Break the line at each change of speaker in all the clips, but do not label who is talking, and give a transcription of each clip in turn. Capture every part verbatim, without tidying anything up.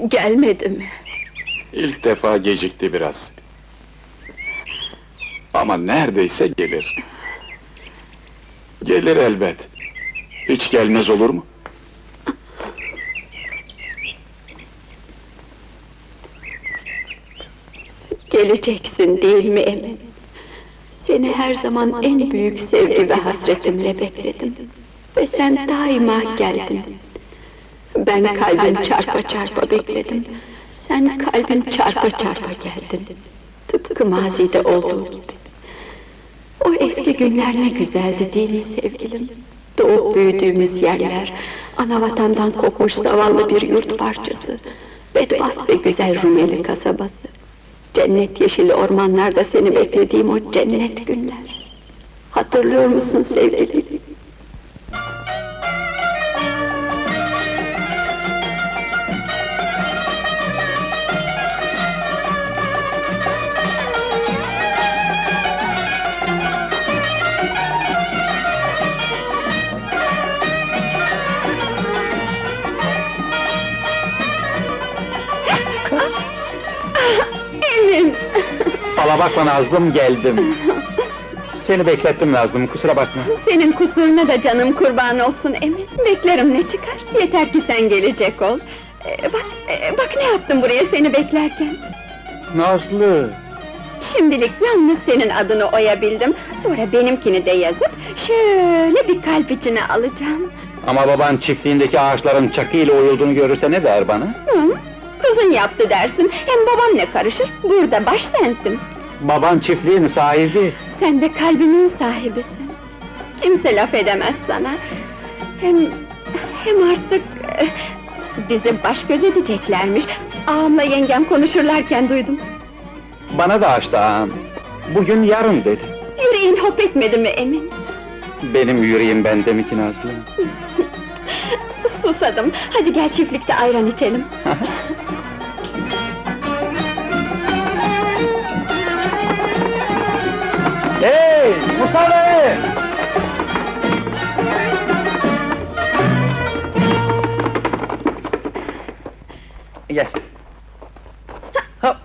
Gelmedi mi?
İlk defa gecikti biraz. Ama neredeyse gelir. Gelir elbet. Hiç gelmez olur mu?
Geleceksin değil mi Emin? Seni her zaman en büyük sevgi ve hasretimle bekledim. Ve sen daima geldin. Ben kalbim çarpa çarpa bekledim. Sen kalbin çarpa çarpa geldin. Tıpkı mazide olduğu gibi. O eski günler ne güzeldi değil mi sevgilim? Doğup büyüdüğümüz yerler, anavatandan kopmuş zavallı bir yurt parçası, bedbaht ve güzel Rumeli kasabası. Cennet yeşili ormanlarda seni beklediğim o cennet günler. Hatırlıyor musun sevgilim? Emin!
Fala bakma Nazlım, geldim. Seni beklettim Nazlım, kusura bakma.
Senin kusuruna da canım kurban olsun Emin. Beklerim ne çıkar, yeter ki sen gelecek ol. Ee, bak, e, bak ne yaptım buraya seni beklerken.
Nazlı!
Şimdilik yalnız senin adını oyabildim. Sonra benimkini de yazıp, şöyle bir kalp içine alacağım.
Ama baban çiftliğindeki ağaçların çakıyla oyulduğunu görürse ne der bana?
Hı? Kızın yaptı dersin, hem babam ne karışır, burada baş sensin.
Baban çiftliğin sahibi.
Sen de kalbimin sahibisin. Kimse laf edemez sana. Hem... hem artık... eh, bizi baş göz edeceklermiş. Ağamla yengem konuşurlarken duydum.
Bana da açtı ağam. Bugün yarın dedi.
Yüreğin hop etmedi mi Emin?
Benim yüreğim bende mi ki Nazlı?
Susadım, hadi gel çiftlikte ayran içelim.
Hey! Musa Bey! Gel. Hop!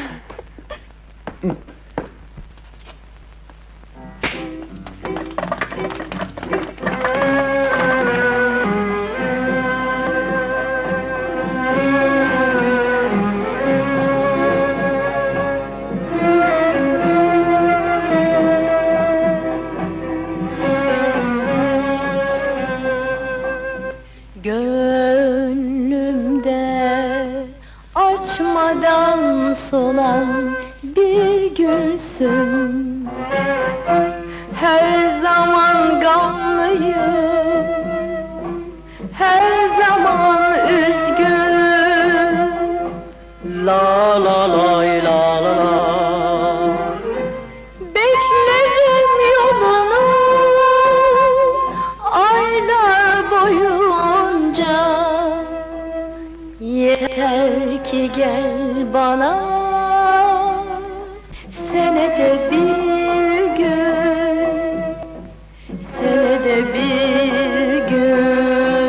Gönlümde açmadan solan bir gülsün. Her zaman gamlıyım, her zaman üzgün. La la lay la la la. Beklerim yolunu aylar boyunca. Yeter ki gel bana senede bir gün, senede bir gün.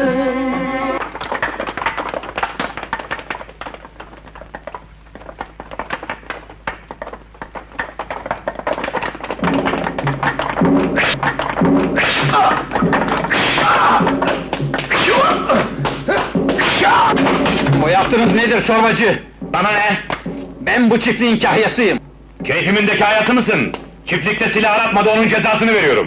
O yaptığınız nedir çorbacı? Bana ne? Ben bu çiftliğin kahyasıyım.
Keyfimindeki hayatı mısın? Çiftlikte silah aratmadı, onun cezasını veriyorum.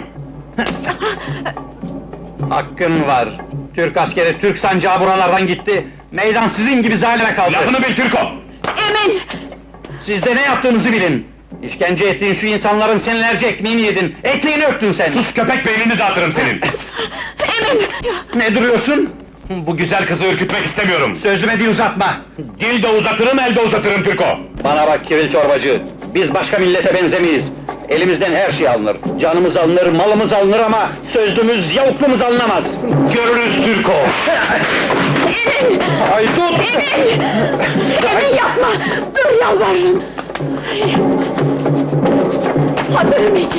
Hakkın var. Türk askeri, Türk sancağı buralardan gitti. Meydan sizin gibi zalime kaldı.
Lafını bil Türko!
Emin!
Siz de ne yaptığınızı bilin. İşkence ettiğin şu insanların senelerce ekmeğini yedin, ekmeğini öptün sen!
Sus köpek, beynini dağıtırım senin!
Emin!
Ne duruyorsun?
Bu güzel kızı ürkütmek istemiyorum!
Sözüme dil uzatma!
Dil de uzatırım, el de uzatırım Türko!
Bana bak kiril çorbacı! Biz başka millete benzemeyiz! Elimizden her şey alınır, canımız alınır, malımız alınır ama sözlümüz, yavuklumuz alınamaz!
Görürüz Türko!
Emin!
Haydut!
Emin! Emin yapma! Dur yalvarırım! Hatırım için!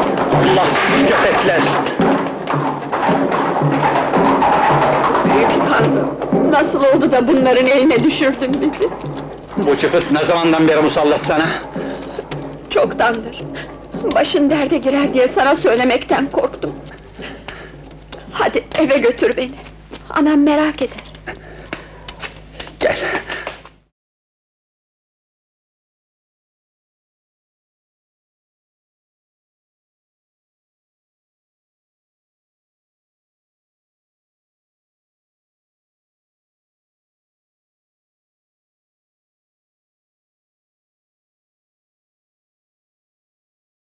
Allah sizi köpekler!
Büyük Tanrım, nasıl oldu da bunların eline düşürdün bizi?
Bu çıfıt ne zamandan beri musallat sana?
Çoktandır. Başın derde girer diye sana söylemekten korktum. Hadi eve götür beni. Anam merak eder.